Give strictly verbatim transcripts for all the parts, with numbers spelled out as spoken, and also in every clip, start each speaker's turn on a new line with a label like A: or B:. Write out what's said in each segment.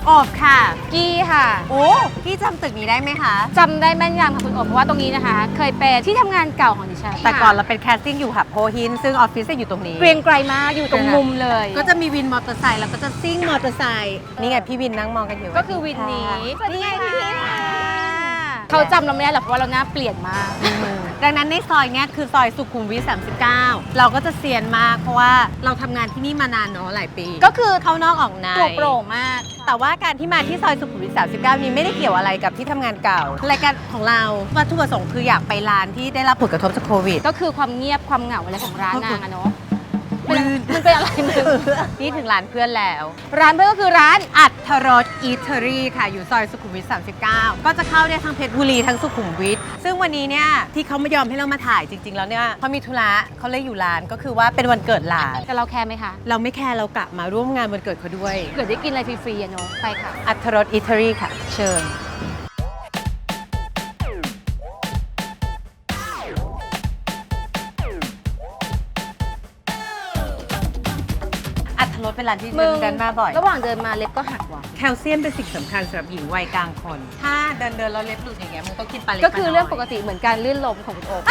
A: อบค่ะ
B: กี้ค่ะ
A: โอ้พี่จำตึกนี้ได้ไหมคะ
B: จำได้แม่นยำค่ะคุณโอบเพราะว่าตรงนี้นะคะ เคยเป็นที่ทำงานเก่าของดิฉัน
A: แต่ก่อนเราเป็นแคสติ้งอยู่หับโพหินซึ่งออฟฟิศจะอยู่ตรงนี้
B: เกรียงไกรมากอยู่ตรงมุมเลย
A: ก็จะมีวินมอเตอร์ไซค์แล้วก็จะซิ่งมอเตอร์ไซค์นี่ไงพี่วินนั่งมองกันอยู่
B: ก็คือวินนี้
A: นี่ไงพี่วินค่ะ
B: เขาจำเราไม่ได้หรอกเพราะว่าเราหน้าเปลี่ยนมาก
A: ดังนั้นในซอยเนี้ยคือซอยสุขุมวิทสามสิบเก้าเราก็จะเซียนมากเพราะว่าเราทำงานที่นี่มานานเนาะหลายปี
B: ก็คือ
A: เข้านอกออกใน
B: โปร่งมาก
A: แต่ว่าการที่มาที่ซอยสุขุมวิทสามสิบเก้านี้ไม่ได้เกี่ยวอะไรกับที่ทำงานเก่ารายการของเราวัตถุประสงค์คืออยากไปร้านที่ได้รับผลกระทบจากโควิด
B: ก็คือความเงียบความเหงาอะไรของร้านนางอะเนาะ
A: ลื่น
B: มันเป็นอะไรมึง
A: นี่ถึงร้านเพื่อนแล้ว
B: ร้านเพื่อนก็คือร้าน
A: อัทรสอีเทอรี่ค่ะอยู่ซอยสุขุมวิทสามสิบเก้าก็จะเข้าได้ทั้งเพชรบุรีทั้งสุขุมวิทซึ่งวันนี้เนี่ยที่เขาไม่ยอมให้เรามาถ่ายจริง ๆ แล้วเนี่ยเขามีธุระเขาเลยอยู่ร้านก็คือว่าเป็นวันเกิดหลาน
B: แต่เราแคร์ไหมคะ
A: เราไม่แคร์เรากลับมาร่วมงานวันเกิดเขาด้วย
B: เกิดได้กินอะไรฟรีๆอะเนาะไปค่ะ
A: อัทรสอีเทอรี่ค่ะ เชิญอัทรสเป็นร้านที่เดินเดินมาบ่อย
B: ระหว่างเดินมาเล็บก็หักว่ะ
A: แคลเซียมเป็นสิ่งสำคัญสำหรับหญิงวัยกลางคน ถ้าเดินเดินแล้วเล็บหลุดอย่างเงี้ยมึงต้องกินปลาเล็ก
B: ก็คือเรื่องปกติเหมือนการลื่นล้มของคุณโอ๊ค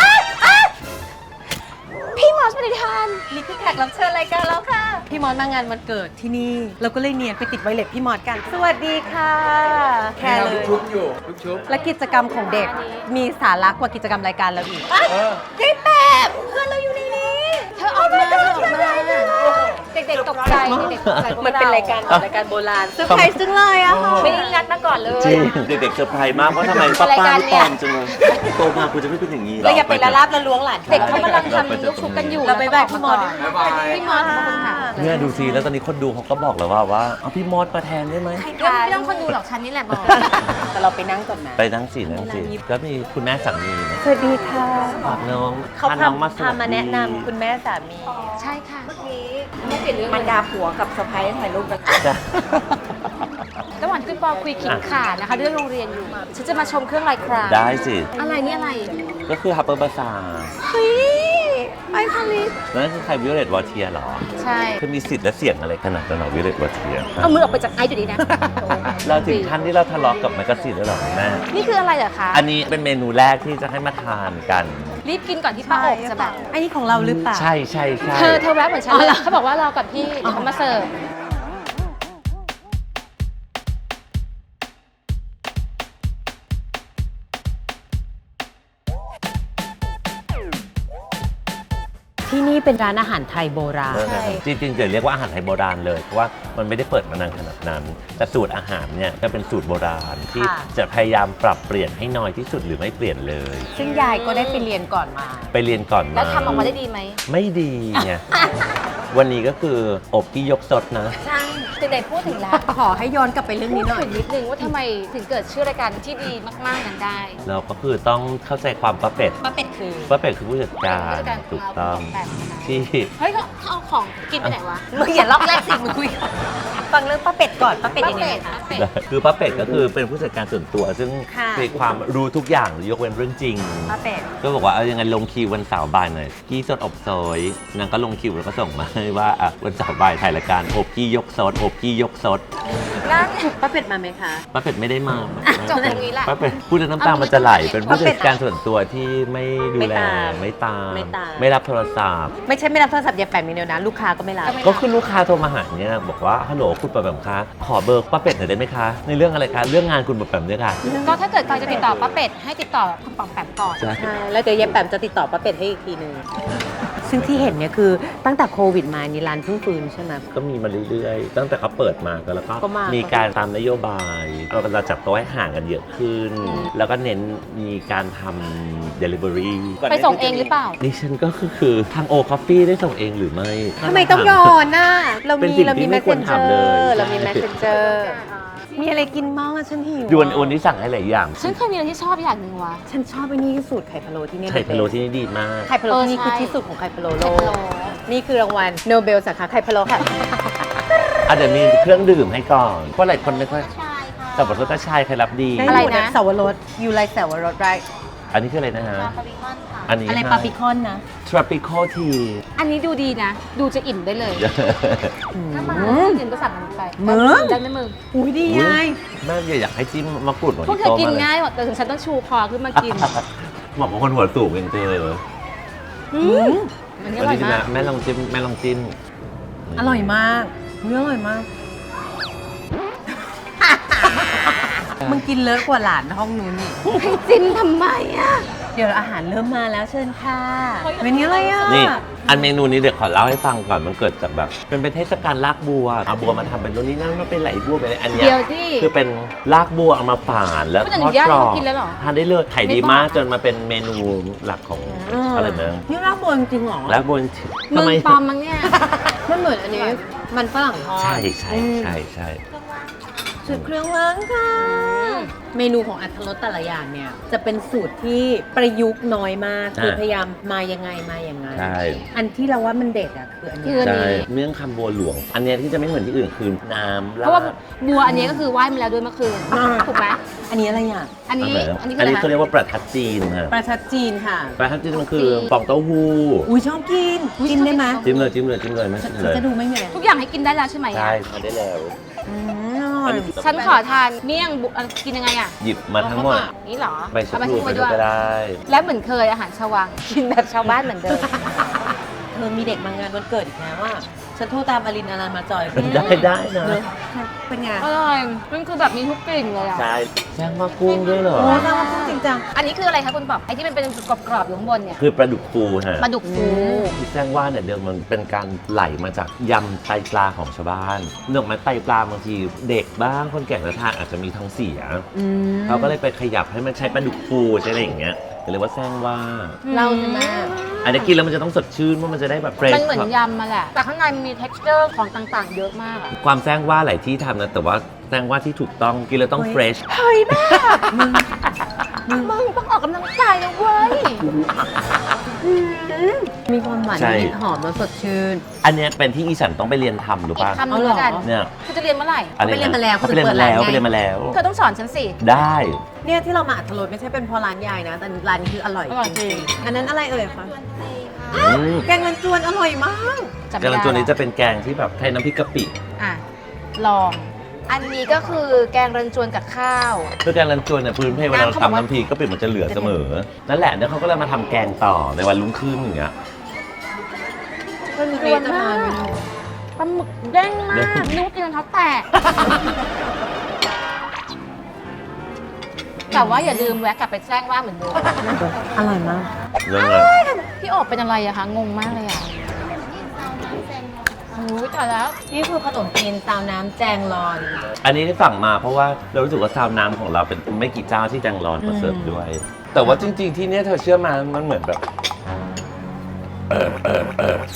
B: พี่มอสปฏิทาน
A: นี่คือแขกรับเชิญรายการแล้วค่ะ พี่มอสมางานวันเกิดที่นี่ เราก็เลยเนียนไปติดไวเล็บพี่มอสกัน สวัสดีค่ะแค่เลย
C: ชุบอยู่ชุบชุบ
A: และกิจกรรมของเด็กมีสาระกว่ากิจกรรมรายการเราอีก
C: เออ
A: ได้แบบเพื่อนเราอยู่ในนี้
B: เธอออกมาเธอออกมาเด็กๆตกใจเด็กๆตกใจ
A: มันเป็นรายการรายการโบราณเซอร์ไพรส์จังเลยอะค่ะ
B: ไม่ได้นัดมาก่อนเลย
D: จริงเด็กๆเซอร์ไพรส์มากเพราะทำไมป้าป้าไม่ปลอมจังเลยโตมากูจะไม่เป็นอย่างนี้หร
A: เราอย่าไปละลาบละล้วงหลาน
B: เด็กเขากำลังทำลูกชุบกันอยู่
A: เราไปแบกพี่มอส
C: บ๊ายบาย
B: พี่มอสขอบคุณค่ะ
D: เนี่ยดูสิแล้วตอนนี้คนดูเขาก็บอกแล้วว่าว่าเอาพี่มอสมาแทนได้ไหม
B: ไม่ต้องไม่ต้องคนดูหรอกฉันนี่แหละบอก
A: แต่เราไปนั่งก่อนนะ
D: ไปนั่งสินั่งสิก็มีคุณแม่สามีนะ
A: สวัสดีค่ะ
D: ฝากน้อง
A: เขา
D: พาน้องมา
A: พา
D: สวัส
A: พามา
D: ดี
A: แนะนำคุณแม่สามี
B: ใช่ค่ะเมื่อกี้ไม่เปลี่ยนเรื่อง
A: มันดาผัวกับสะพ้ายถ่ายรูปกัน
D: จ้ะ
B: ระหว่างที่ปอคุยขิงขาดนะคะเรื่องโรงเรียนอยู่ฉันจะมาชมเครื่องลายคราม
D: ได้สิ
B: อะไรนี่อะไร
D: ก็คือฮับเปอร์บาซา
A: เฮ้ยไอคอลิส
D: นั่นคือใครวิโอเลตวอเทียหรอ
B: ใช่
D: คือมีสิทธิ์และเสียงอะไรขนาดนั้นหรอวิโอเลตวอเทีย
B: เอามือออกไปจากไอซ์จุดนี้นะ
D: เราถึงขั้นที่เราทะเลาะกับแมกกาซีนแล้วหรอแม่
B: นี่คืออะไรเหรอคะ
D: อันนี้เป็นเมนูแรกที่จะให้มาทานกัน
B: รีบกินก่อนที่ป้าอบจะแบบ
A: อันนี้ของเราหรือเปล่า
D: ใช่ใช่ใช่
B: เธอเธอแวะเหมือนฉันเลยเขาบอกว่ารอก่อนพี่เดี๋ยวเขามาเสิร์ฟ
A: ที่นี่เป็นร้านอาหารไทยโบราณ
D: เออจริงๆจะเรียกว่าอาหารไทยโบราณเลยเพราะว่ามันไม่ได้เปิดมานานขนาดนั้น แต่สูตรอาหารเนี่ยก็เป็นสูตรโบราณที่
A: ค่ะ
D: จะพยายามปรับเปลี่ยนให้น้อยที่สุดหรือไม่เปลี่ยนเลย
A: ซึ่งยายก็ได้ไปเรียนก่อนมา
D: ไปเรียนก่อนมา
B: แล้วทำออกมาได้ดีไหม
D: ไม่ดีไง วันนี้ก็คืออบที่ยกสดนะ
B: ใช่เด็กๆพูดถึงแล้ว
A: ขอให้ย้อนกลับไปเรื่อง
B: พู
A: นี้
B: ด
A: หน่อย
B: ถึงนิดนึงว่าทำไมถึงเกิดชื่อรายการที่ดีมากๆนั้นได้
D: เราก็คือต้องเข้าใจความป้าเป็ด
A: ป้าเป็ดคือ
D: ป้าเป็ดคือผู้จัดการ
B: ผู้จัดการ
D: ถูกต้อง
B: แบบนะคะ
D: ที่
B: เฮ้ยเขาเอาของกินไปไหนวะ
A: มึงอย่าล็อกแรกสิมึงคุยกันฟังเรื่องป้าเป็ดก่อนป้าเป็ดยังไง
B: ป้า
A: คะ
B: เป็ด
D: คือป้าเป็ดก็คือเป็นผู้จัดการส่วนตัว ซึ่ง
A: ค่ะ
D: มีความรู้ทุกอย่างยกเว้นเรื่องจริง
A: ป้าเป็ด
D: ก็บอกว่าเอายังไงลงคิววันเสาร์บ่ายหน่อยกี้สดอบซอยนางก็ลงคิวแล้วก็ส่งมาให้ว่าอ่ะวันเสาร์บ่ายถ่ายรายการอบกี้ยกซดอบกี้ยกซด
B: นั่น
A: ป้าเป็ดมาไหมคะ
D: ป้าเป็ดไม่ได้มา
B: จบตรงนี้แหละ
D: ป้าเป็ดพูดแล้วน้ำตามันจะไหลเป็นผู้
A: ป้าเป็
D: จั
A: ด
D: ดการส่วนตัวที่ไม่ดูแล
A: ไม่ตาม
D: ไม่ตาม
A: ไม่ตาม
D: ไม่รับโทรศัพท์
A: ไม่ใช่ไม่รับโทรศัพท์อย่าแปลกมีเดียวนะ ลูกค้าก็ไม่รับ
D: ก็คือลูกค้าโทรมาหาเนี่ยบอกว่าฮัลโหลคุณปะแปมคะขอเบอร์ป้าเป็ดหน่อยได้ไหมคะในเรื่องอะไรคะเรื่องงานคุณปะแปมเนี่ยค่ะ
B: ก็ถ้าเกิดใครจะติดต่อป้าเป็ดให้ติดต่อคุณปอมแปมก่อน
D: ใช่
A: ใช่แล้วเดี๋ยวยายแปมจะติดต่อป้าเป็ดให้อีกทีหนึ่งซึ่งที่เห็นเนี่ยคือตั้งแต่โควิดมานี่ร้านเพิ่งฟื้นใช่ไหม
D: ก็มีมาเรื่อยๆตั้งแต่เขาเปิดมาก็แล้วก็
A: ก็มามี
D: มีการตามนโยบายเราเราจับโต๊ะให้ห่างกันเยอะขึ้น แล้วก็เน้นมีการทำ delivery
B: ไปส่งเองหรือเปล่า
D: ดิฉันก็คือคือทางโอคอฟฟี่ได้ส่งเองหรือไม่
A: ทำไมต้องย้อนน่ะเรา
D: เป็น
A: มี
D: สิ่ง
A: เรา
D: ที่
A: มี
D: ไม่ควร
A: messenger
D: ทำเลย
A: เรามี messenger มีอะไรกินบ้างอะฉันหิว
D: ยวนวันนี้สั่งให้หลายอย่าง
B: ฉันเคยมีอะไรที่ชอบอย่างหนึ่งวะ
A: ฉันชอบไอ้นี่ที่สุดไข่พะโล้ที่นี่
D: ไข่พะโล้ที่นี่ดีมาก
A: ไข่พะโล้ที่นี่
B: เออ
A: คือ
B: ใช่
A: ที่สุดของไข่พะโล้โล
B: ไข่พะโล้
A: กนี่คือรางวัลโนเบลสาขาไข่พะโล้ค่ะ
D: อาจจะมีเครื่องดื่มให้ก่อน เพราะหลายคนไม่ค่อยแต่บทก็ชายใครรับดี
A: ได้
B: อะไร
A: หมด
B: นะ
A: สาวรสยูไลสาวรสไร
D: อันนี้คืออะไรนะฮะ
B: ปาริมอนค่ะ
D: อันนี้
A: อะไร
D: ให้
A: ปาปิคอนนะ
D: tropical tea
B: อันนี้ดูดีนะ ดูจะอิ่มได้เลย ถ้ามากินก็สั่งมันไป
A: มึง
B: ได้ไหมมึง
A: อุ้ยดียาย
D: แม่อยากให้จิ้มมะกรูดหน่อย
B: พวกเธอกินง่ายหมดแต่ถึงฉันต้องชูคอขึ้นมากิน
D: เหมาะกับคนหัวสูงจริงๆเลย
B: อืมอันนี้อ
D: วัน
B: ร่อย
D: นี้
B: มาก
D: แม่ลองจิ้มแม่ลองจิ้ม
A: อร่อยมากเฮ้ยอร่อยมาก มึงกินเลอะกว่าหลานห้องนู้นนี่
B: ให้จิ้มทำไมอ่ะ
A: เดี๋ยวอาหารเริ่มมาแล้วเชิญค่ะเป็นนี้อะไรอ่ะ
D: นี่อันเมนูนี้เดี๋ยวขอเล่าให้ฟังก่อนมันเกิดจากแบบเป็นเป็นเทศกาลลากบัวเอาบัวมาทำเป็นตัวนี้นั่นมาเป็นไหลบัวเป็นอะไรอันเนี้ย
B: เดี๋ยวที่
D: คือเป็นลากบัวเอามาฝานแล้ว
B: คุณอ
D: ท
B: นุ
D: อด
B: ญาต
D: กรอบ
B: ให้กินแล้วเหรอ
D: ทานได้เลยขายดี
B: ไม่ต้อง
D: มากจนมาเป็นเมนูหลักของอะไรนะ
A: นี่ลาบบัวจริงๆเหรอ
D: ลากบัว
B: มึ
D: ทำ
B: ง
D: ไม
B: ปลอมมั้งเนี่ย
A: มันเหมือนอันนี้ มันฝรั่งทอด
D: ใช่ใช่ใช่ใช่
A: สูตรเครื่องล้างค่ะ เมนูของอัตรสแต่ละอย่างเนี่ย จะเป็นสูตรที่ประยุกต์น้อยมาก คือพยายามมายังไงมาอย่างไง
D: ใช่
A: อันที่เราว่ามันเด็ดอ่ะคืออัน
B: คื
A: เนี้
B: อ
A: ย
D: ใช่เมี่ยงคำบัวหลวง อันเนี้ยที่จะไม่เหมือนที่อื่นคือน้ำ
B: เพราะว่า
D: ลด
B: บัวอันนี้ก็คือไหว้มาแล้วด้วยเมื่อคืน ถูกไหม
A: อันนี้อะไรอ่ะ
B: อันนี้
D: อะไระ
B: อันนี้คื
D: อั
B: อน อะไร
D: นี้เขาเรียกว่าประทัดจีนค่ะ
A: ประชัดจีนค่ะ
D: ประทัดจีนมันคือฟองเต้าหู้
A: อุ้ยชอบกิน กินได้ไหม
D: จิ้มเลยจิ้มเลยจิ้มเลยไม่
A: ฉัน
D: จิ้มเลย
A: จะดูไม่ไง
B: ทุกอย่างให้กินได้แล้วใช่ไหม
D: ใช่
B: อ่ะ
D: ทานได้แล้ว
A: อืมอร่อย
B: ฉันขอทานเมี่ยงบุอ่ะกินยังไงอ่ะ
D: หยิบมาทั้งหมด
B: นี่เหรอ
D: ไปชะ
B: เอา
D: พู
B: ทิ้ง
D: ไป
B: ไว้
D: ด้
B: ด้
D: ว
B: วย ย
D: ก็ได้
B: และเหมือนเคยอาหารชาววัง กินแบบชาวบ้านเหมือนเดิม
A: เธอมีเด็กมางานวันเกิดอีกแล้วอ่ะฉันโทรตามอลินอลันมาจอย
D: ได้ได้นะ
A: เนอะเป็นไง
B: อร่อย มันคือแบบมีทุกกลิ่นเลยอ่ะ
D: ใช่แซงมากุ้งด้วยเหรอ
A: โอ้น่ารักจริงจัง
B: อันนี้คืออะไรคะคุณปอบไอ้ที่มันเป็นกรอบๆอยู่ข้างบนเนี่ย
D: คือปลาดุกฟูฮะ
B: ปลาดุกฟู
D: ที่แซงว่าเนี่ยเดิมมันเป็นการไหลมาจากยำไตปลาของชาวบ้านเนื่องมาไตปลาบางทีเด็กบ้างคนแก่จะทานอาจจะมีท้องเสีย
A: อืม
D: เขาก็เลยไปขยับให้มันใช้ปลาดุกฟูใช่อะไรอย่างเงี้ยก็เรียกว่าแซงว่า
A: เราใช่ไหม
D: อันนี้กินแล้วมันจะต้องสดชื่นเพราะมันจะได้แบบเฟรช
B: มันเหมือนยำมาแหละ แต่ข้างในมันมี texture ของต่างๆ เยอะมากอะ
D: ความแซงว่าหลายที่ทำนะแต่ว่าแซงว่าที่ถูกต้องกินแล้วต้องเฟรช
B: เฮ้ยแม่มึงมึงต้องออกกำลังกายนะเว้ย
A: มีความหวาน
D: ใช่
A: นิดหอมแล้วสดชื่น
D: อันเนี้ยเป็นที่อีสันต้องไปเรียนทำหรือ
B: อี
D: เป
B: ก
D: ล่า
B: คำหนึงแล้วกัน
D: เนี่ย
B: คือจะเรียนเมื่อไหร่
D: อะไร
A: ไปเรียนมาแล้ว
D: เขาไปเรียนมาแล้ว
A: เขา
D: ไป
A: เปิดร้านไง
D: เรียนมาแล้ว
B: เธอต้องสอนฉันสิ
D: ได้
A: เนี่ยที่เรามาอัตรสไม่ใช่เป็นเพราะร้านยายนะ แต่ร้านนี้คืออร่อย
B: อร่อยจริง
A: อันนั้นอะไรเอ่ยคะ
D: อืม
A: แกงมันจวนอร่อยมาก
B: จำ
D: แก
B: ไม่
D: ง
B: ได้
D: รันจวนนี้จะเป็นแกงที่แบบใช้น้ำพริกกะปิ
B: อ่ะ ลอง อันนี้ก็คือแกงรันจวนกับข้าว
D: คือแกงรันจวนเนี่ยพื้นเพเวลาเราทำน้ำพริกกะปิมันจะเหลือเสมอ นั่นแหละเนี่ยเขาก็เลยมาทำแกงต่อในวันรุ่งขึ้นอย่างเงี้ย
A: ก็มีเรียนจะทาน
B: ปลาหมึกเด้งมากนึกว่ากินรองเท้าแตะ แต่ว่าอย่าลืมแวะกลับไปแจ้งว่าเหมือนเดิม
A: อร่อยมาก
D: เรื่องอะไร
B: พี่โอบเป็นอะไรอะคะ งงมากเลยอะโอ้ยตายแล้ว
A: นี่คือขนมจีนซาวน้ำแจงรอน
D: อันนี้ที่สั่งมาเพราะว่าเรารู้สึกว่าซาวน้ำของเราเป็นไม่กี่เจ้าที่แจงร้อนมาเสิร์ฟด้วย แต่ว่าจริง ๆ ที่เนี่ยเธอเชื่อมามันเหมือนแบบ เออเออเออ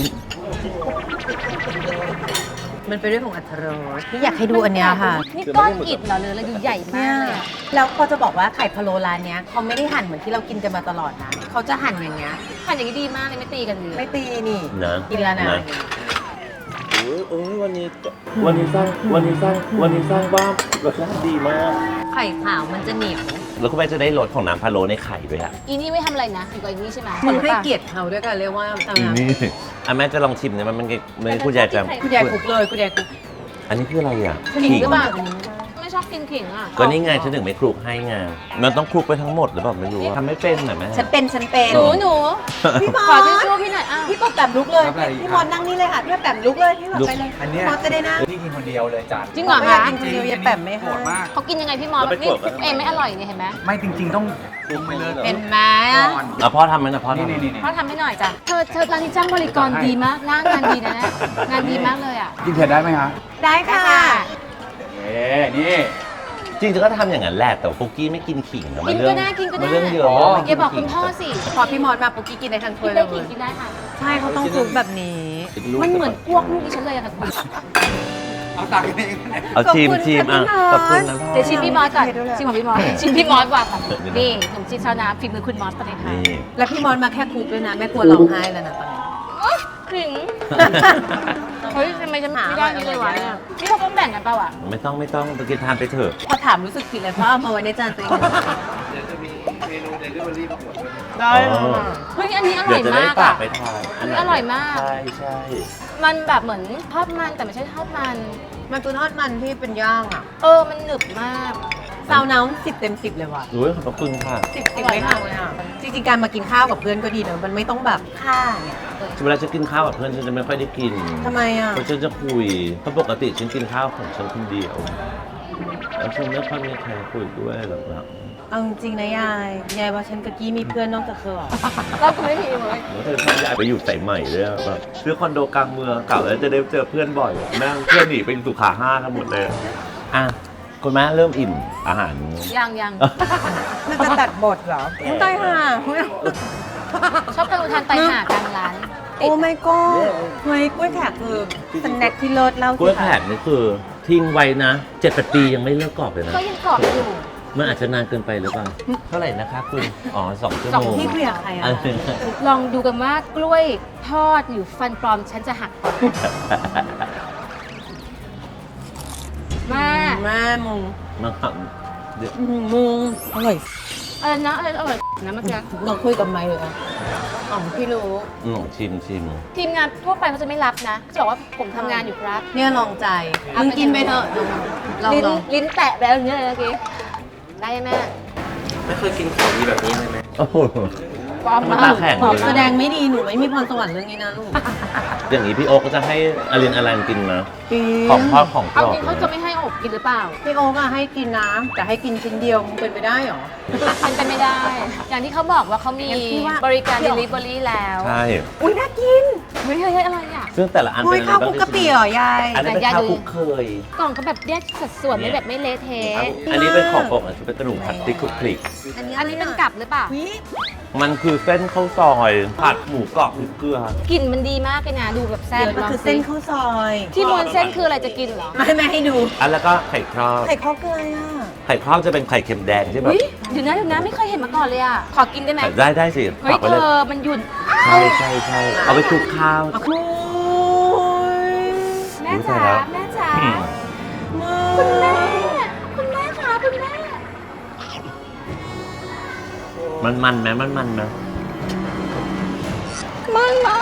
A: มันเป็นเรื่องของอัตรสที่อยากให้ดูอันเนี้ยค่ะ
B: นี่ก้อนอิฐเหรอหรืออะไรดูใหญ่มากเลยอะ
A: แล้วพอจะบอกว่าไข่พะโล้ร้านเนี้ยเขาไม่ได้หั่นเหมือนที่เรากินกันมาตลอดนะเขาจะหั่นอย่างเงี้ย
B: หั่นอย่างนี้ดีมากเลยไม่ตีกันเลย
A: ไม่ตีนี่
D: นะ
A: กินแล้วนะ
D: โอ้ยโอ้ยวันนี้วันนี้สร้างวันนี้สร้างวันนี้สร้างบ้านรสชาติดีมาก
A: ไข่ขาวมันจะเหนียว
D: แล้วคุณแม่จะได้รสของน้ำพะโล้ในไข่ด้วยอะ
B: อีนี่ไม่ทำอะไรนะ อยู่กับอีนี่ใช่ไหม
A: มึงให้
B: ปะ
A: เกียรติเขาด้วยกันเรียกว่าซาว
D: อี
A: น้ำ
D: นี่อ่ะแม่จะลองชิมเนี่ยมันมันมันคุณยายจะ
A: คุณยายคลุกเลยคุณยายคลุก
D: อันนี้คืออะไรอ่ะ
B: ขิงหรือเปล่าไม่ชอบกินขิงอ่ะ
D: ก็นี่ไงฉันถึงไม่คลุกให้ไงมันต้องคลุกไปทั้งหมดหรือเปล่าไม่รู้ทำไม่เป็นหน่อยแม่
A: ฉันเป็นฉันเป็น
B: หนูหนู
A: พี่บอ
B: ขอ
A: ล
B: ทิชชู่พี่หน่อยอ้าว
A: พี่ปอแปมลุกเลย
C: รับอะไรอีก
A: พี่
C: ครับ
A: บอลนั่งนี่เลยค่ะ พี่แปมลุกเลยพี่บอล
D: ลุก
A: ไปเลย
C: อันเนี้ย
A: พี่มอสจะได้นั่ง
C: พี่กินคนเดียวเลยจาน
B: จริงเหรอ
A: ไม่อยาก
B: คะ
A: กินคนเดียวยายแปมไม่
C: โห
A: ให้
C: ดมาก
B: เขากินยังไงพี่มอส
D: เราไป
B: นี่
D: กดกัน
B: เองไม่อร่อยเนี่ยเห็นไหม
C: ไม่จริง ๆ ต้องปรุงไปเลย
A: เป็นไหม
C: ก่อน
D: อ่ะพ่อทำไหมนะพ่อ
C: นี่
D: ทำ
C: นี่นี่
B: เขาทำให้หน่อยจ้ะเธอเธอร้านนี้จ้างบริกรดีมากหน้างานดีนะเนี่ยงานดีมากเลยอ่ะ
C: กินเผ็ดได้ไหมฮะ
A: ได้ค่ะ
C: เอ๊นี่
D: จริงๆก็ทำอย่างนั้นแหละแต่ว่าปุ๊กกี้ไม่กินขิงนะมั
B: กิน
D: เรื่
B: ก็ได้กินก็ได้
D: มันเรื่องเยอะ
C: อ๋อ
B: แกบอกคุณพ่อสิ
A: พอพี่มอสมาปุ๊กกี้กินได้ทั้งถ้
B: กิ
A: วย
B: น
A: เล
B: ได้
A: ย
B: ขิงกินได้ค่ะ
A: ใช่เขาต้องคลุกแบบนี้
B: มันเหมือนอ้วกลูกดิฉันเลยอะค่ะคุณ
C: เอาตักกันเอง
D: เอาชิมชิมอ่ะข
A: ข
D: อ
A: อ
D: บบ
A: คุ
D: คุณ
A: ณ
D: นะ
A: ค่ะ
D: พ่อ
B: เดี๋ยวชิมพี่มอสก่อนชิมของพี่มอสชิมพี่มอสก่อนค่ะ
D: เดี๋ยวนะ
B: นี่ขนมจีนชาวนาฝีมือคุณมอสประเทศไทย
D: นี่
A: แล้วพี่มอสมาแค่คลุกด้วยนะแม่กลัวร้องไห้แล้วนะตอนนี้
B: ขิงเฮ้ยทำไมฉันไม่ได้นี่เลยวะเนี่ยนี่เขาต้องแบ่งกันเปล่าอ่ะ
D: ไม่ต้องไม่ต้องไปกินทานไปเถอะ
A: พอถามรู้สึกผิดเลยเพราะเอามาไว้ในจานตัวเอง
C: เมนูเดลิเวอรี่ประกวดด้วย
A: ได้
D: อ๋อ
B: เฮ้ยอันนี้อร่
D: เดี๋
B: อย ยว
D: จะได้
B: มาก
D: ฝา
B: อ่ะ
D: กไปทาน
B: อันนี้อร่อยมาก
D: ใช่ใช่
B: มันแบบเหมือนทอดมันแต่ไม่ใช่ทอดมัน
A: มันคือทอดมันที่เป็นย่างอ่ะ
B: เออมันหนึบมาก
A: ซาวน้ำสิบเต็มสิบเลยว่ะ
D: รู้ขอบพระคุณค่ะ
A: สิบสิบไม่ห่างเลยอ่ะ จริงๆ การมากินข้าวกับเพื่อนก็ดีนะมันไม่ต้องแบบค่าเนี่ย
D: เวลาฉันกินข้าวกับเพื่อนฉันจะไม่ค่อยได้กิน
A: ทำไมอ่ะ
D: เพราะฉันจะคุย เพราะปกติฉันกินข้าวของฉันคนเดียว แล้วฉันไม่ค่อยมีใครคุยด้วยหรอกนะ
A: เอาจริงๆนะยาย ยายว่าฉันกับกี้มีเพื่อนนอกจากเธอเหรอ
B: เราก็ไม่มีเลย
D: แล้วเธอชอบย้ายไปอยู่สายใหม่ด้วยอะแบบซื้อคอนโดกลางเมืองเก่าแล้วจะได้เจอเพื่อนบ่อยแม่งเพื่อนหนีไปสุขาห้ากันหมดเลยอ่ะคุณแม่เริ่มอิ่มอาหาร
B: ยังยัง
A: มันจะตัดบทเหรอไม่ได้ห่า
B: ชอบไปอุทานไตหากลางร้าน
A: โอ้ไม่ก็เฮ้ยกล้วยแขกคือสแน็คที่เลิศเล่าก
D: ล้วย
A: สิ
D: แผ่
A: คะ
D: นนี่คือทิ้งไว้นะเจ็ดแปดปียังไม่เลิกกรอบเลยนะ
B: ก็ยังกรอบอยู่
D: มันอาจจะนานเกินไปหรือเปล่า เท่าไหร่นะคะคุณ อ๋อสองชั่ว
B: สอง
D: โมง
A: พี่คุยกับใครอ่ะ
D: อันนี้
B: ลองดูกันว่ากล้วยทอดหรือฟันปลอมฉันจะหักก่อนมา
A: แม่มึง
D: มาครับเดี๋ยว
A: อื้อหือมึงอร่อย
B: อะไรนะอะไรอร่อยนะเมื่อกี้
A: ลองคุยกับไมค์เลยอ่ะอ๋อพี่รู้
D: อืมชิมชิม
B: ทีมงานทั่วไปเขาจะไม่รับนะจะบอกว่าผมทำงานอยู่ครับ
A: เนี่ยลองใจ
B: เอา
A: มึง
B: ไป
A: กินไปเถอะลอง
B: ลิ้น
A: ลอง
B: ลิ้นแตะแล้วอย่างเงี้ยเลยเมื่อกี้ได้ไหมแม่
C: ไม่เคยกินของดีแบบนี้เลยไหม
D: โอ้โห
B: ปลอม
D: มัน
B: มา
D: ตาก แข็ง
A: ตอบ
D: เลย
A: แสด
D: นะ
A: งไม่ดีหนูไม่มีพรสวรรค์เรื่องนี้นะลูก
D: อย่างนี้พี่โอ๊กก็จะให้อลินอลันกินนะ
A: กิน
D: ของทอดของก
B: เอา
D: รอบ
B: จริงเขาจะไม่ให้อบกินหรือเปล่า
A: พี่โอ๊กอะให้กินน้ำแต่ให้กินชิ้นเดียวมึงเป็นไปได้เหรอ
B: เป็นไปไม่ได้ อย่างที่เขาบอกว่าเขามี
A: งั้นพี่ว่า
B: บริการ delivery แล้ว
D: ใช่
A: อุ้ยน่ากิน
B: เฮ้ยเฮ้ยเฮ้ยอะไรอ่ะ
D: ซึ่งแต่ละอัน
A: อุ้
D: เป็
A: ย
D: นอะไร
A: ข้าว
D: บ้า
A: คุ
D: ง
A: กกะปิเหรอยาย
D: อันนี้เป็น
B: ยาย
D: ข้าว
B: ดู
D: คลุกเคย
B: กล่องก็แบบแยกสัดส่วนไม่แบบไม่เละเทะ
D: อันนี้เป็นของโปรดอันนี้เป็นกระดูกผัดพริกคลุกคลิก
B: อันนี้เป็นกับหรือเปล่า
A: วิ
D: มันคือเส้นข้าวซอยผัดหมูกรอบพริกเกลือ
B: กลิ่นมันดีมากเลยนะ ดูแบบแซ่บ
A: เดี๋ยวมันคือเส้นข้าวซอย
B: ที่ม้วนเส้นคืออะไรจะกินเหรอ
A: ไม่ไม่ให้ดู
D: อันแล้วก็ไข่ครอบ
A: ไข่ข้าวเกลืออ่ะ
D: ไข่ครอบจะเป็นไข่เค็มแดงใช่ไหม
B: อุ้ยเดี๋ยวนะเดี๋ยวนะไม่เคยเห็นมาก่อนเลยอ่ะ ขอกินได้ไหม
D: ได้ได้สิ
B: เฮ้ย
D: ฝากไว้
B: เธ
D: เลย
B: อมันหยุ่น
D: ใช่ใช่ใช่เอาไปคลุกข้าว
A: โอ้ย
B: แม่
D: อุ๊ย
B: จ๋า
D: ตายแล้ว
B: แม่จ๋า
D: อืม
B: คุณแม่ คุณแม่ค่ะคุณแม่
D: มันมันไหมมันมันไหม
B: มันมาก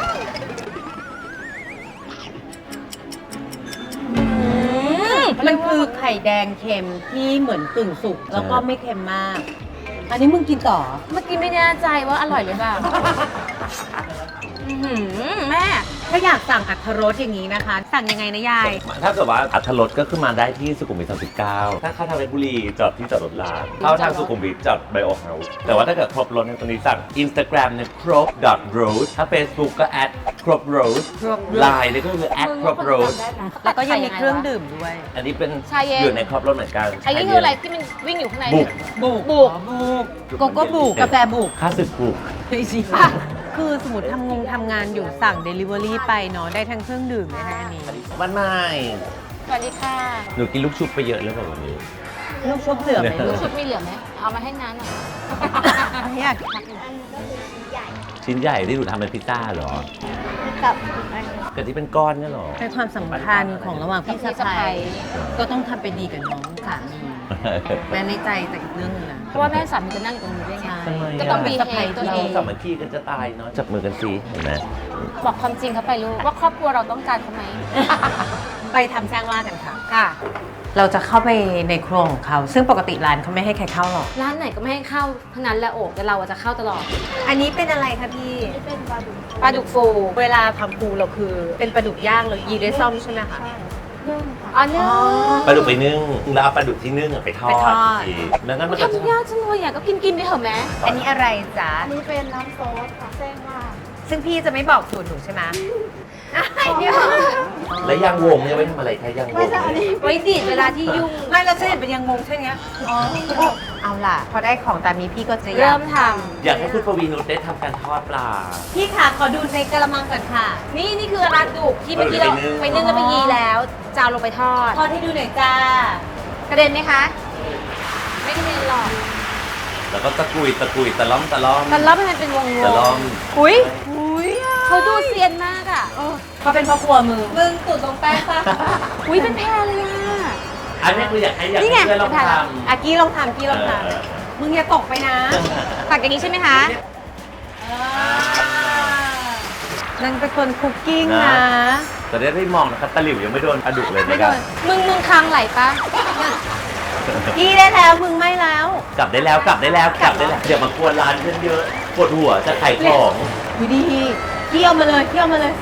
A: มันคือไข่แดงเค็มที่เหมือนกึ่งสุกแล้วก็ไม่เค็มมาก อันนี้มึงกินต่อ
B: เมื่อกี้ไม่แน่ใจว่าอร่อยหรือเปล่าอื้อหือแม่
A: ถ้าอยากสั่งอัตรรสอย่างนี้นะคะ สั่งยังไงนะยาย
D: ถ้าเกิดว่าอัธรสก็ขึ้นมาได้ที่สุขุมวิทสามสิบเก้าถ้าเข้าทางเพชรบุรีจอดที่จอดรถรางเข้าทางสุขุมวิทจอดไบโอเฮาส์แต่ว่าถ้าเกิดครบรถในยตรงนี้สั่ง Instagram เนี่ยครบ .road ถ้า Facebook ก็ at ครบ road
A: ครบ road
D: Line เนี่ยก็คือ at ครบ road
A: แล้วก็ยังมีเครื่องดื่มด้วย
D: อันนี้เป็น
B: ชาเย็น
D: อยู่ในครบรถเหมือนกัน
B: ไอ้นี่คืออะไรที่มันวิ่งอยู่ข้างใน
D: บุก
A: บุก
B: บุก
A: บุกโกโก้บุกกาแฟบุก
D: ค่าศึกบุก
A: ไม่ใช่คือสมมติทำงงทำงานอยู่สั่ง Delivery ไปเนาะได้ทั้งเครื่องดื่มได้ทั้งอันนี้
D: วันใหม่
B: สวัสดีค่ะ
D: หนูกินลูกชุบไปเยอะแล้วแบบวันนี้
A: ลูกชุบเหลือไหม
B: ลู
A: ลู
B: ก
A: ก
B: ชุบมีเหลือไหม เอามาให้น้าหน่อย
A: อยาก
D: ชิ้นใหญ่ที่หนูทำเป็นพิซซ่าเหรอ
B: กับ
D: กับที่เป็นก้อนเนี่ยเหรอ
A: เป็นความสัมพันธ์ของระหว่างพี่สะใภ้ก็ต้องทำเป็นดีกับน้องสามีแม้ในใจแต่อีกเรื่องหนึงนะ
B: เพราะว่าแม่สามีจะนั่งอยู่ตรงนี้ด้วยไง
A: ใช่
B: ก็ต้อง
A: เป็
B: บี
A: น
B: เฮ
A: สะใภ้
B: ตัว
D: เรา
B: เอง
D: สามัคคีกันจะตายเนาะจับมือกันสิเห็นไหม
B: บอกความจริงเขาไปลูก ว่าครอบครัวเราต้องการเขาไหม
A: ไปทำสร้างล่ากันค่ะค่ะ เราจะเข้าไปในครัวของเขา ซึ่งปกติร้านเขาไม่ให้ใครเข้าหรอก
B: ร้านไหนก็ไม่ให้เข้าทั้งนั้นแหละโอกแต่เราอะจะเข้าตลอด
A: อันนี้เป็นอะไรคะพี่
B: ปลาดุกฟู
A: เวลาทำปูเราคือเป็นปลาดุกย่างเรายีด้วยซ่อมใช่ไหมคะ
B: อ๋อนึ่ง
D: ปลาดุกไปนึ่งแล้วเอาปลาดุกที่นึ่งอะไปทอด
A: ไปทอด
D: อีกแล้วนั้นมันก็จะ
B: ทำยากจังเลยอ่ะก็กินกินไปเถอะแม่
A: อันนี้อะไรจ๊ะ
E: นี่เป็นน้ำซอสค่ะแจ้งว่า
A: ซึ่งพี่จะไม่บอกสูตรหนูใช่ไหมเดี๋ยว
D: แล้วยางวงเนี่ยไว้ทำอะไรคะยางวงเนี่ย
B: ไว้ดีดเวลาที่ยุ่ง
A: ไม่เราจะเห็นเป็นยังงงใช่ไหมอ๋อเอาล่ะ พอได้ของตามนี้พี่ก็จะ
B: เริ่มท
D: อยากให้คุณปวีนุชได้ทำการทอดปลา
A: พี่ค่ะขอดูในกระมังก่อนค่ะ
B: ำนี่นี่คือปลาดุกที่เมื่อกี้เรา
D: ไป
B: ไป
D: นึ่
B: นึ่
D: ง
B: งแล้วไปยีแล้วจะเอาลงไปทอด
A: ทอดให้ดูหน่อยจ้าก
B: ระเด็นไหมคะ ไม่กระเด็นหรอก
D: แล้วก็ตะกุยตะกุยตะล่อมตะล่อม
B: แต่รอบมันเป็นวงๆ
D: ตะล่อม
B: อุ้ย
A: อุ้ย
B: เขาดูเซียนมากอ่ะ
A: เขาเป็นพ่อครัวมือมึงตุ่นตรงแป้งปะ
B: อุ้ยเป็นแพรเลยอ่ะ
D: อันนี้คืออยากให้อยาก
B: นี่ไง
D: ให้เพื่อนลอง
B: ไปถ่าย
D: ท
B: แล้ว
D: ำ
A: อากี้ลองทำกี้ลองท
D: เออ
A: ำมึงอย่าตกไปนะ
B: ตักอย่างนี้ใช่ไหมคะ
A: นางเป็นคนคุกกิ้ง
D: นะ
A: นะ
D: แต่ได้ได้มองนะครับตะหลิวยังไม่โดนปลาดุกเลย
A: ไม่
D: นะค
A: โด
D: รับ
A: น
B: มึงมึงคางไหลปะ
A: กี้ได้แล้วมึงไม่แล้ว
D: กลับได้แล้วกลับได้แล้วกลับได้แล้วเดี๋ยวมากวนร้านฉันเยอะปวดหัวจะขายของ
A: วิดีเที่ยวมาเลยเที่ยวมาเลย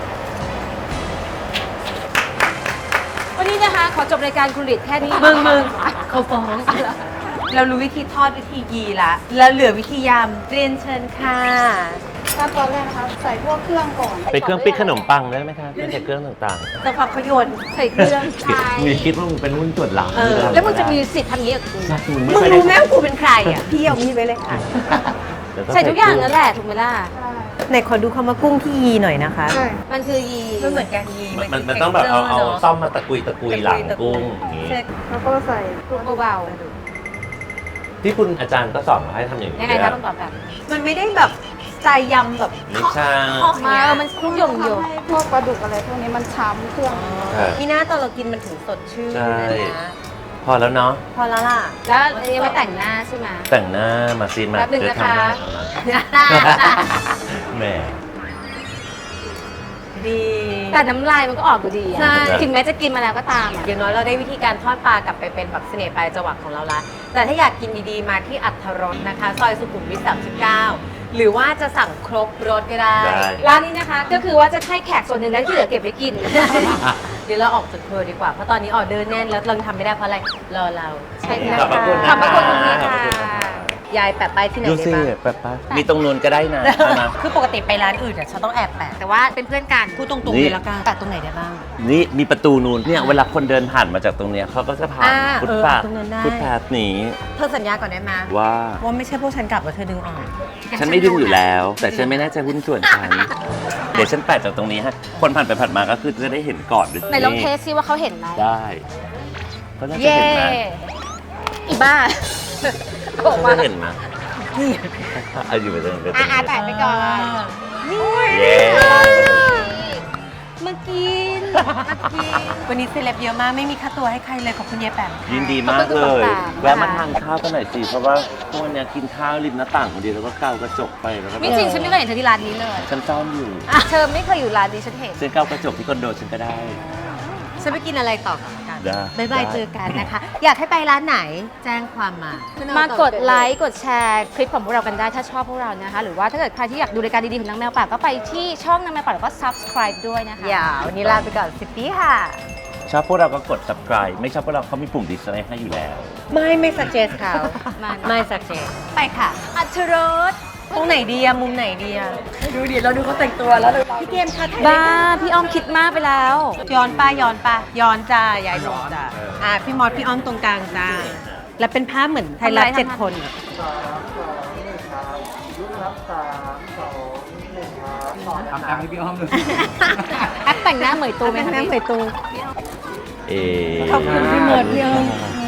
B: วันนี้นะคะ ขอจบรายการคุณหลิดแค่นี้
A: มึงมึงเขาฟ้องเรารู้วิธีทอดวิธียีละแล้วเหลือวิธียำเรียนเชิญค่ะ
E: ขั้นตอนแรกนะคะ ใส่พวกเครื่องก่อน
D: ไปเครื่องปิ้งขนมปังได้ไหมครับไม่ใช่เครื่องต่าง
A: แต่พอเขาโยน
B: ใส่เครื่อง
D: ๆ มีคิดว่ามึงเป็นหุ้นส่วนหลัง
A: เออ
B: แล้วมึงจะมีสิทธิ์ทำอย่างนี้กับกู
D: ใช่มึง
A: มึ
D: ไม่
A: ง
D: เคย
A: รู้ไหม
D: ได้
A: ว่ากูเป็นใครอ่ะ พี่เอามีดไว้เลยค่ะ
D: เดี๋ยว
B: ใส่ทุกอย่างนั่นแหละถูกไหมล่ะ
E: ใช่
A: ไหนขอดูคำว่ากุ้งที่ยีหน่อยนะคะ
E: ใช่
B: มันคือยี
A: มันเหมือนกันยี
D: มันมันมันต้องแบบเอาเอาซ่อมมาตะกุยตะกุยหลังกุ้งอย่างงี้
E: แล้วก็ใส่พวก
B: เบา
D: ที่คุณอาจารย์ก็สอนมาให้ทำอย่าง
B: ๆ
D: นี้
B: ยังไงคะต้องตอบแบบ
A: มันไม่ได้แบบสไตล์ยำแบบ
D: ไม่ใช่
A: เคาะ
B: มา
A: เนี่ย
B: เออมันคลุ้งหยงหยง
E: ทำให้พวกปลาดุกอะไรพวกนี้มันช้ำเครื่อง
D: ใช่
A: พี่หน้าตอนเรากินมันถึงสดชื่น
D: ใช่
A: เลยนะ
D: พอแล้วเนาะ
A: พอแล้วล่ะ
B: แล้วอันนี้ไว้แต่งหน้าใช่ไหม
D: แต่งหน้ามาซีนมา
B: แป๊บหนึ่ง
D: เดี๋ยว
B: นะคะ
D: ทำหน้าทำหน้าแหม
A: ดี
B: แต่น้ำลายมันก็ออกอยู่ดีอะ
A: ใช่
B: ถึงแม้จะกินมาแล้วก็ตามอะ
A: อย่างน้อยเราได้วิธีการทอดปลากลับไปเป็นแบบเสน่ห์ปลายจวักของเราละ แต่ถ้าอยากกินดีๆ มาที่อัทรสนะคะ ซอยสุขุมวิทสามสิบเก้า หรือว่าจะสั่งครบรสก็ได้
D: ได้
B: ร้านนี้นะคะก็คือว่าจะให้แขกส่วนหนึ่งแล้วที่เหลือเก็บไว้กิน
A: เดี๋ยวเราออกจากเธอดีกว่า เพราะตอนนี้ออเดอร์แน่นแล้วเราทำไม่ได้เพราะอะไร รอเรา
B: ใช่ค่ะ
D: ขอบพระคุณนะ
B: ขอบพระคุณคุณพี่
D: ขอบ
B: ค่ะ
D: พระคุณค่ะ
A: ยายแปะไปายที่ไหน
D: ดู
A: ได้
D: สิ
A: บ้าง
D: แป๊บปะมีตรงนู้นก็ได้นะเอามา
A: คือปกติไปร้านอื่นเนี่ยฉันต้องแอบแปะ
B: แต่ว่าเป็นเพื่อนกัน
A: พูดตรง
D: นี่
A: ๆเลยแล้วกันแปะตรงไหนได้บ้าง
D: นี่มีประตูนูนเนี่ยเวลาคนเดินผ่านมาจากตรงเนี้ยเขาก็จะผ่าน
A: อ่า
D: ฟุตบาท
A: เออตรงนั้นได้
D: ฟุตบาทหนี
A: เธอสัญญาก่อนได้ไหม
D: ว่า
A: ว่าไม่ใช่พวกฉันกลับแล้วเธอดึงออก
D: ฉันไม่ดึงอยู่แล้ว แต่ฉันไม่น่าจะหุ้นส่วนฉัน เดี๋ยวฉันแปะจากตรงนี้ฮะ คนผ่านไปผ่านมาก็คือจะได้เห็นก่อนด้วย
B: ไหนลองเทสซิว่าเขาเห็นไหม
D: ได้ก็น่าจะ
B: เย่
D: เห็นนะ
B: อีบ้าบอก
D: ก็
B: มา
D: จะเห็นนะเอาอยู่ไปตรงนี้
B: อ่ะอ่ะแตะไปก่อน
D: เย้
B: มากินมากิน
A: วันนี้เซเลบเยอะมากไม่มีค่าตัวให้ใครเลยขอบคุณเยายแปมค่ะ
D: ยินดีมาก
B: ขอบคุณ
D: เลย
B: ต่างๆ
D: แวะมาทานข้าวกันหน่อยสิ เพราะว่าพวกเนี้ยกินข้าวริมหน้าต่างคนเดียวแล้วก็เกากระจกไปแล้วก็
B: ไม่จริงฉันไม่เคยเห็นเธอที่ร้านนี้เลย
D: ฉันซ่อมอยู่
B: เธอไม่เคยอยู่ร้านนี้ฉันเห็น
D: ฉันเกากระจกที่คอนโดฉันก็ได้
A: ฉันไปกินอะไรต่อกัน
D: ได้
A: บ๊ายบาย
D: ได้
A: เจอกันนะคะ อยากให้ไปร้านไหนแจ้งความมา
B: มากดไลค์กดแชร์คลิปของพวกเรากันได้ถ้าชอบพวกเรานะคะ หรือว่าถ้าเกิดใครที่อยากดูรายการดีๆของนางแมวป่าก็ไปที่ช่องนางแมวป่าแล้วก็ subscribe ด้วยนะคะ
A: อย่าวันนี้ลาไปก่อนสิบปีค่ะ
D: ชอบพวกเราก็กด subscribe ไม่ชอบพวกเราเขามีปุ่ม dislike ให้อยู่แล้ว
A: ไม่ไม่ suggest เขา
B: ไม่
A: ไม่ suggest ไปค่ะ
B: อัธรส
A: ตรงไหนดีอะมุมไหนดีอะดูดิเราดูเขาแต่งตัวแล้วพี่เกมค่ะถ่าย
B: บ้าพี่อ้อมคิดมากไปแล้ว
A: ย้อนป้าย้อนป้าย้อนจ้ายายหลงจ้าอ่ะพี่มอสพี่อ้อมตรงกลางจ้าแล้วเป็นภาพเหมือนไทยรัฐ
B: ทำไร
A: เจ็ด
B: ทำไร
A: คนอะ
C: ทำตามให้พี่อ้อมเลย
B: แอปแต่งหน้าเหมยตูไหมคะ
A: แม่
B: พี่
A: ไปตู
D: เอ๊ะ
A: ขอบคุณพี่มดพี่อ้อม